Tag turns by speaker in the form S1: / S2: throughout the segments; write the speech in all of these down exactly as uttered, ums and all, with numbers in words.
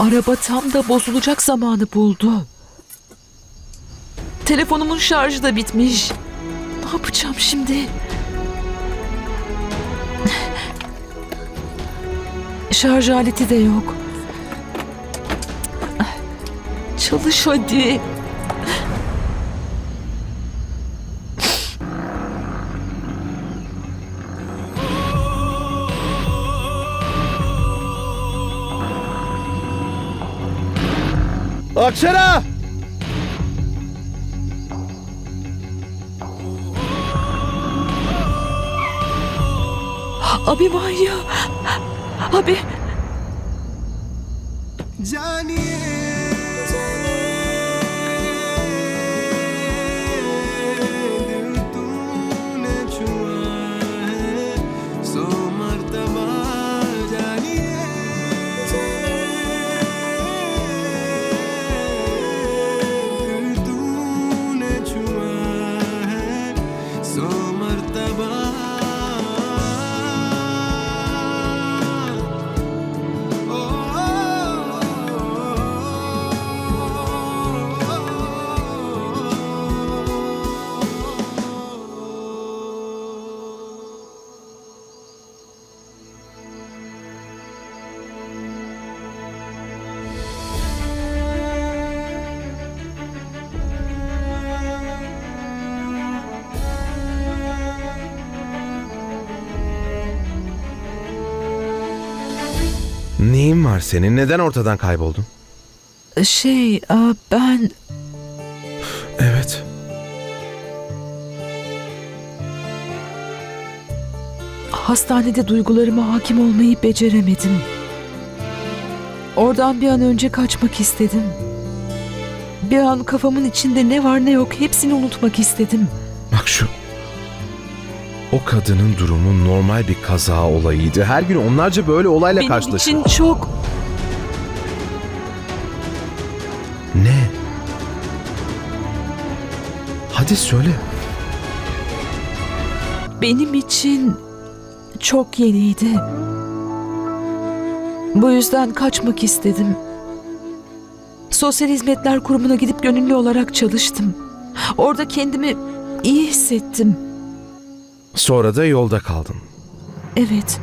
S1: Araba tam da bozulacak zamanı buldu. Telefonumun şarjı da bitmiş. Ne yapacağım şimdi? Şarj aleti de yok. Çalış hadi.
S2: Akşara!
S1: Abi Manya. Abi.
S2: Neyin var senin? Neden ortadan kayboldun?
S1: Şey, aa, ben...
S2: Evet.
S1: Hastanede duygularıma hakim olmayı beceremedim. Oradan bir an önce kaçmak istedim. Bir an kafamın içinde ne var ne yok hepsini unutmak istedim.
S2: Bak şu... O kadının durumu normal bir kaza olayıydı. Her gün onlarca böyle olayla
S1: Benim
S2: karşılaşıyor.
S1: için çok...
S2: Ne? Hadi söyle.
S1: Benim için çok yeniydi. Bu yüzden kaçmak istedim. Sosyal Hizmetler Kurumu'na gidip gönüllü olarak çalıştım. Orada kendimi iyi hissettim.
S2: Sonra da yolda kaldın.
S1: Evet.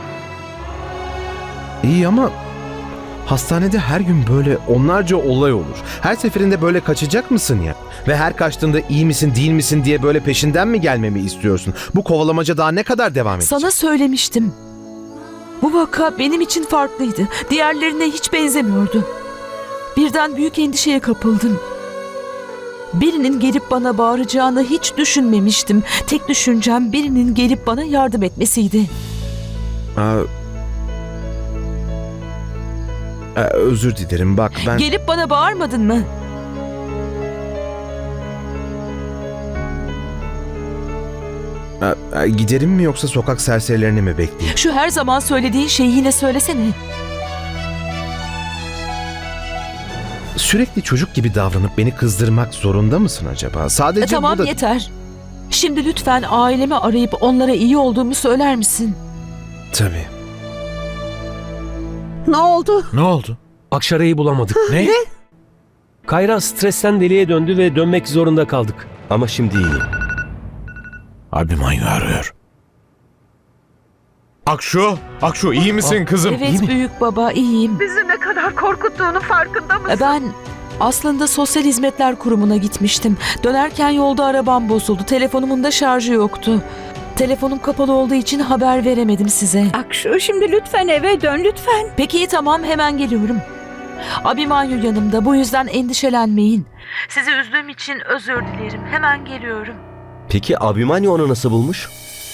S2: İyi ama hastanede her gün böyle onlarca olay olur. Her seferinde böyle kaçacak mısın ya? Ve her kaçtığında iyi misin değil misin diye böyle peşinden mi gelmemi istiyorsun? Bu kovalamaca daha ne kadar devam edecek?
S1: Sana söylemiştim. Bu vaka benim için farklıydı. Diğerlerine hiç benzemiyordu. Birden büyük endişeye kapıldım. Birinin gelip bana bağıracağını hiç düşünmemiştim. Tek düşüncem birinin gelip bana yardım etmesiydi.
S2: Aa, Aa, özür dilerim bak ben...
S1: Gelip bana bağırmadın mı?
S2: Aa, aa, giderim mi yoksa sokak serserilerini mi bekleyeyim?
S1: Şu her zaman söylediğin şeyi yine söylesene.
S2: Sürekli çocuk gibi davranıp beni kızdırmak zorunda mısın acaba? Sadece
S1: E, tamam
S2: burada...
S1: yeter. Şimdi lütfen ailemi arayıp onlara iyi olduğumu söyler misin?
S2: Tabii.
S3: Ne oldu?
S4: Ne oldu? Akşara'yı bulamadık. Ne? Kayra stresten deliye döndü ve dönmek zorunda kaldık.
S5: Ama şimdi iyi.
S4: Abhimanyu arıyor.
S6: Akşu, Akşu iyi misin kızım?
S1: Evet büyük baba iyiyim.
S3: Bizi ne kadar korkuttuğunu farkında mısın?
S1: E, Ben aslında Sosyal Hizmetler Kurumu'na gitmiştim. Dönerken yolda arabam bozuldu. Telefonumun da şarjı yoktu. Telefonum kapalı olduğu için haber veremedim size.
S3: Akşu şimdi lütfen eve dön lütfen.
S1: Peki iyi tamam hemen geliyorum. Abhimanyu yanımda bu yüzden endişelenmeyin. Sizi üzdüğüm için özür dilerim. Hemen geliyorum.
S5: Peki Abhimanyu onu nasıl bulmuş?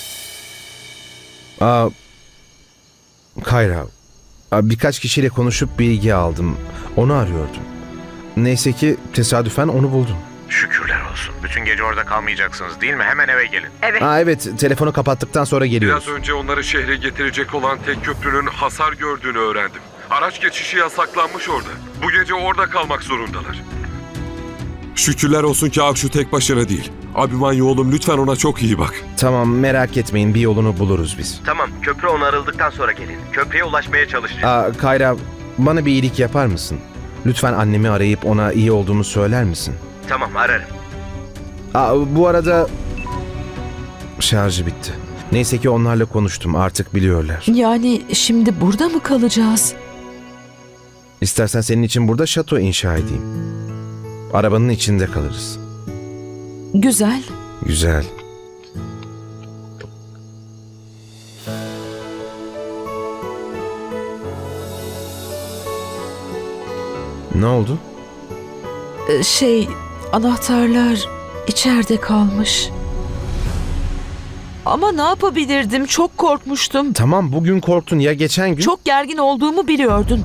S2: Aa, Kayra, aa, birkaç kişiyle konuşup bilgi aldım. Onu arıyordum. Neyse ki tesadüfen onu buldum.
S7: Şükürler olsun. Bütün gece orada kalmayacaksınız değil mi? Hemen eve gelin.
S2: Aa, evet, telefonu kapattıktan sonra geliyoruz.
S8: Biraz önce onları şehre getirecek olan tek köprünün hasar gördüğünü öğrendim. Araç geçişi yasaklanmış orada. Bu gece orada kalmak zorundalar. Şükürler olsun ki Akşu tek başına değil. Abhimanyu oğlum lütfen ona çok iyi bak.
S2: Tamam, merak etmeyin, bir yolunu buluruz biz.
S5: Tamam, köprü onarıldıktan sonra gelin. Köprüye ulaşmaya çalışacağız.
S2: Aa, Kayra, bana bir iyilik yapar mısın? Lütfen annemi arayıp ona iyi olduğumu söyler misin?
S5: Tamam, ararım.
S2: Aa, bu arada şarjı bitti. Neyse ki onlarla konuştum, artık biliyorlar.
S1: Yani şimdi burada mı kalacağız?
S2: İstersen senin için burada şato inşa edeyim. Arabanın içinde kalırız.
S1: Güzel.
S2: Güzel. Ne oldu?
S1: Ee, Şey, anahtarlar içeride kalmış. Ama ne yapabilirdim? Çok korkmuştum.
S2: Tamam, bugün korktun ya, geçen gün...
S1: Çok gergin olduğumu biliyordun.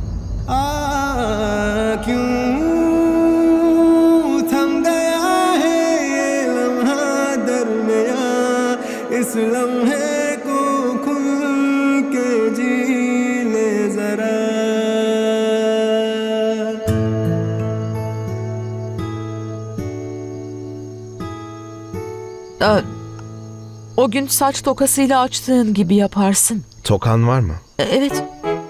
S1: Ee, O gün saç tokasıyla açtığın gibi yaparsın.
S2: Tokan var mı?
S1: E, Evet.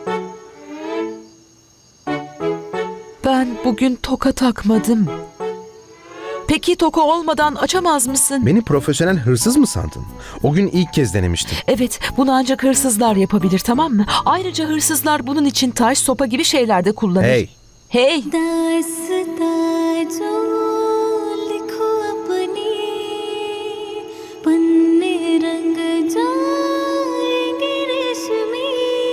S1: Ben bugün toka takmadım. Peki toka olmadan açamaz mısın?
S2: Beni profesyonel hırsız mı sandın? O gün ilk kez denemiştim.
S1: Evet, bunu ancak hırsızlar yapabilir, tamam mı? Ayrıca hırsızlar bunun için taş, sopa gibi şeyler de kullanır.
S2: Hey!
S1: Hey!
S9: दास्तां जो लिखो अपनी पन्ने रंग जाएंगे रेशमी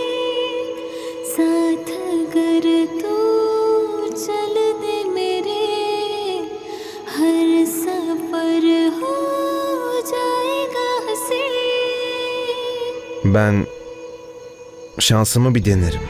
S9: साथ अगर तू चल दे मेरे हर सफर हो जाएगा हंसी
S2: Ben şansımı bir denerim.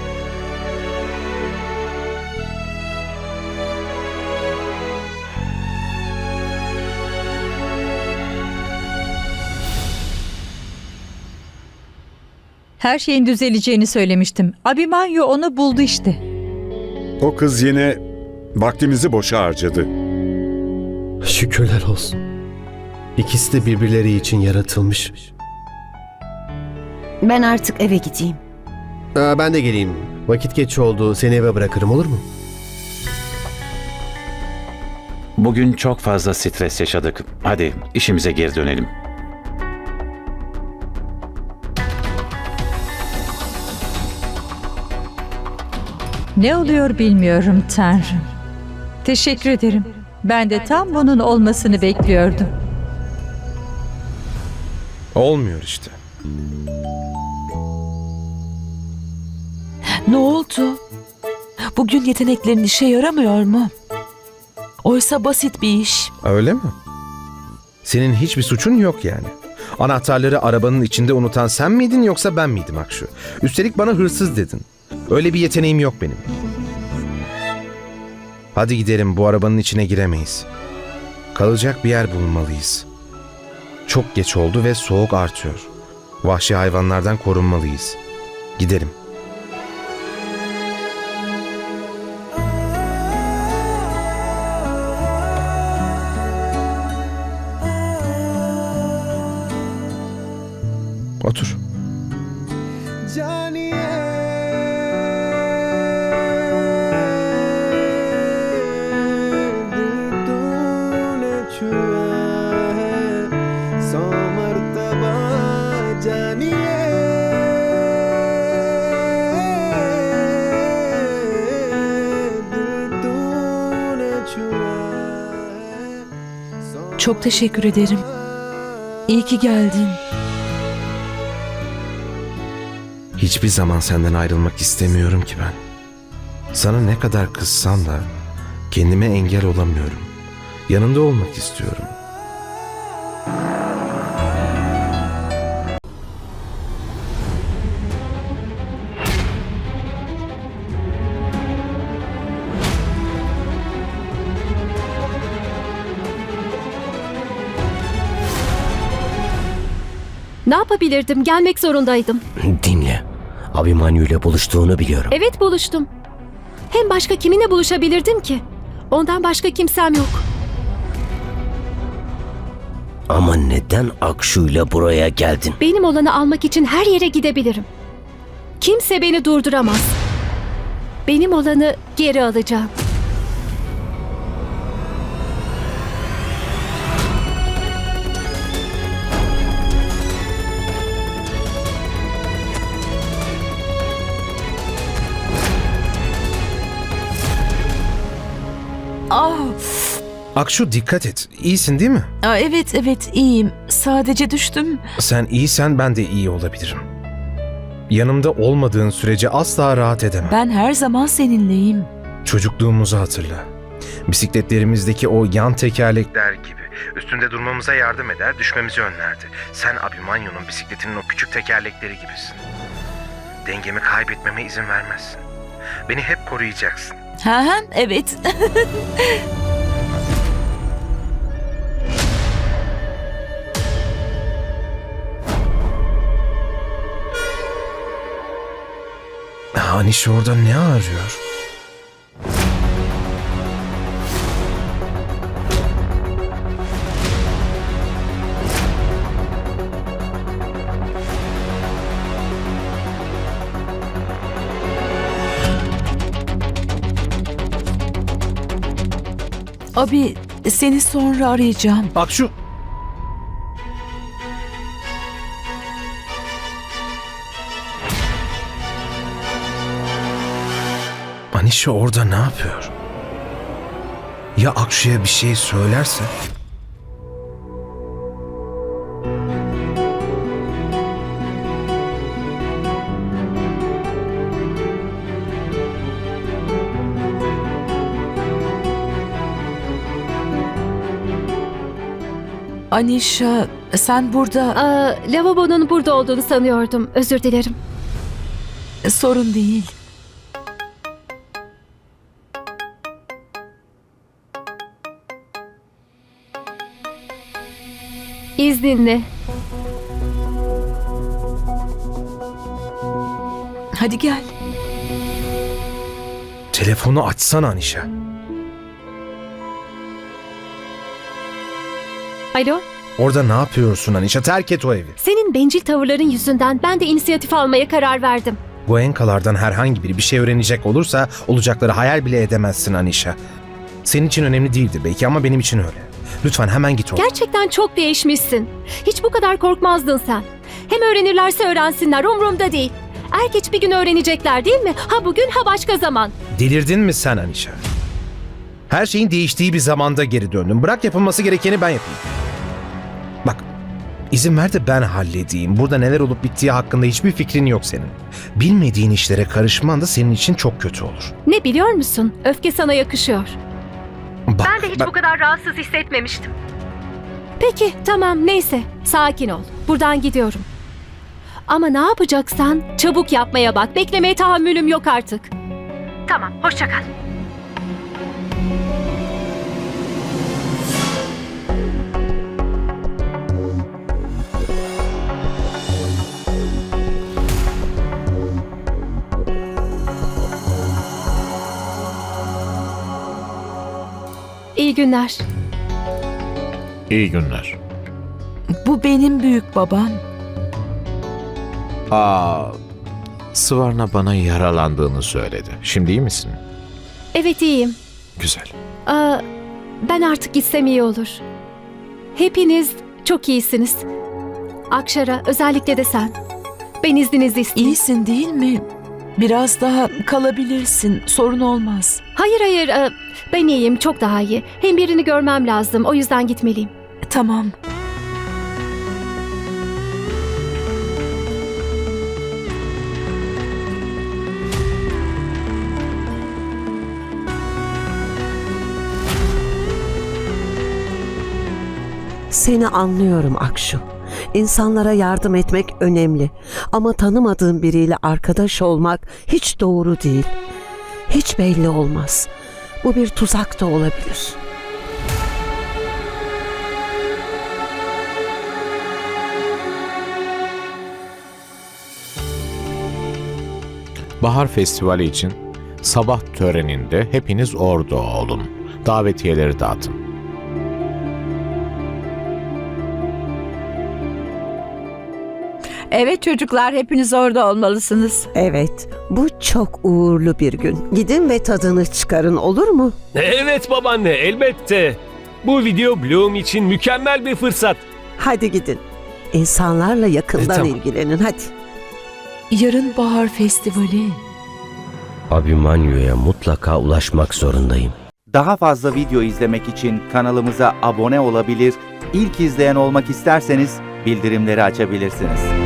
S3: Her şeyin düzeleceğini söylemiştim. Abimanyu onu buldu işte.
S6: O kız yine vaktimizi boşa harcadı.
S10: Şükürler olsun. İkisi de birbirleri için yaratılmış.
S11: Ben artık eve gideyim.
S10: Aa, ben de geleyim. Vakit geç oldu. Seni eve bırakırım, olur mu?
S12: Bugün çok fazla stres yaşadık. Hadi işimize geri dönelim.
S3: Ne oluyor bilmiyorum Tanrım. Teşekkür ederim. Ben de tam bunun olmasını bekliyordum.
S2: Olmuyor işte.
S1: Ne oldu? Bugün yeteneklerin işe yaramıyor mu? Oysa basit bir iş.
S2: Öyle mi? Senin hiçbir suçun yok yani. Anahtarları arabanın içinde unutan sen miydin yoksa ben miydim Akşu? Üstelik bana hırsız dedin. Öyle bir yeteneğim yok benim. Hadi gidelim, bu arabanın içine giremeyiz. Kalacak bir yer bulmalıyız. Çok geç oldu ve soğuk artıyor. Vahşi hayvanlardan korunmalıyız. Gidelim. Otur.
S1: Çok teşekkür ederim. İyi ki geldin.
S2: Hiçbir zaman senden ayrılmak istemiyorum ki ben. Sana ne kadar kızsam da kendime engel olamıyorum. Yanında olmak istiyorum.
S11: Ne yapabilirdim? Gelmek zorundaydım.
S10: Dinle. Abimanyu ile buluştuğunu biliyorum.
S11: Evet, buluştum. Hem başka kiminle buluşabilirdim ki? Ondan başka kimsem yok.
S10: Ama neden Akşu ile buraya geldin?
S11: Benim olanı almak için her yere gidebilirim. Kimse beni durduramaz. benim olanı geri alacağım.
S1: Ah,
S2: Akşu dikkat et. İyisin değil mi?
S1: aa, evet evet iyiyim. Sadece düştüm.
S2: Sen iyisen ben de iyi olabilirim. Yanımda olmadığın sürece asla rahat edemem.
S1: Ben her zaman seninleyim.
S2: Çocukluğumuzu hatırla. Bisikletlerimizdeki o yan tekerlekler gibi. Üstünde durmamıza yardım eder, düşmemizi önlerdi. Sen Abimanyu'nun bisikletinin o küçük tekerlekleri gibisin. Dengemi kaybetmeme izin vermezsin. Beni hep koruyacaksın.
S1: Ha ha, evet.
S2: Aniş orada ne arıyor?
S1: Abi, seni sonra arayacağım.
S2: Akşu! Anişe orada ne yapıyor? Ya Akşu'ya bir şey söylerse?
S1: Anişa, sen burada...
S11: Aa, lavabonun burada olduğunu sanıyordum. Özür dilerim.
S1: Sorun değil.
S11: İzninle.
S1: Hadi gel.
S2: Telefonu açsana Anişe.
S11: Alo?
S2: Orada ne yapıyorsun Anişe? Terk et o evi.
S11: Senin bencil tavırların yüzünden ben de inisiyatif almaya karar verdim.
S2: Bu enkalardan herhangi biri bir şey öğrenecek olursa olacakları hayal bile edemezsin Anişe. Senin için önemli değildir belki ama benim için öyle. Lütfen hemen git oradan.
S11: Gerçekten çok değişmişsin. Hiç bu kadar korkmazdın sen. Hem öğrenirlerse öğrensinler, umurumda değil. Er geç bir gün öğrenecekler değil mi? Ha bugün ha başka zaman.
S2: Delirdin mi sen Anişe? Her şeyin değiştiği bir zamanda geri döndüm. Bırak yapılması gerekeni ben yapayım. Bak, izin ver de ben halledeyim. Burada neler olup bittiği hakkında hiçbir fikrin yok senin. Bilmediğin işlere karışman da senin için çok kötü olur.
S11: Ne biliyor musun? Öfke sana yakışıyor.
S2: Bak,
S11: Ben de hiç
S2: bak-
S11: bu kadar rahatsız hissetmemiştim. Peki tamam neyse sakin ol. Buradan gidiyorum. Ama ne yapacaksan çabuk yapmaya bak. Beklemeye tahammülüm yok artık. Tamam hoşça kal. İyi günler.
S13: İyi günler.
S1: Bu benim büyük babam.
S13: Aa, Sıvarna bana yaralandığını söyledi. Şimdi iyi misin?
S11: Evet iyiyim.
S13: Güzel.
S11: Aa, ben artık gitsem iyi olur. Hepiniz çok iyisiniz. Akşara özellikle de sen. Ben izninizi isteyeyim.
S1: İyisin değil mi? Biraz daha kalabilirsin. Sorun olmaz.
S11: Hayır hayır e, ben iyiyim çok daha iyi. Hem birini görmem lazım o yüzden gitmeliyim.
S1: Tamam.
S14: Seni anlıyorum Akşu. İnsanlara yardım etmek önemli. Ama tanımadığın biriyle arkadaş olmak hiç doğru değil. Hiç belli olmaz. Bu bir tuzak da olabilir.
S13: Bahar Festivali için sabah töreninde hepiniz orada olun. Davetiyeleri dağıtın.
S3: Evet çocuklar, hepiniz orada olmalısınız.
S14: Evet, bu çok uğurlu bir gün. Gidin ve tadını çıkarın, olur mu?
S4: Evet babaanne, elbette. Bu video Bloom için mükemmel bir fırsat.
S14: Hadi gidin. İnsanlarla yakından
S2: E, tamam.
S14: ilgilenin, hadi.
S1: Yarın bahar festivali.
S5: Abimanyu'ya mutlaka ulaşmak zorundayım.
S15: Daha fazla video izlemek için kanalımıza abone olabilir, ilk izleyen olmak isterseniz bildirimleri açabilirsiniz.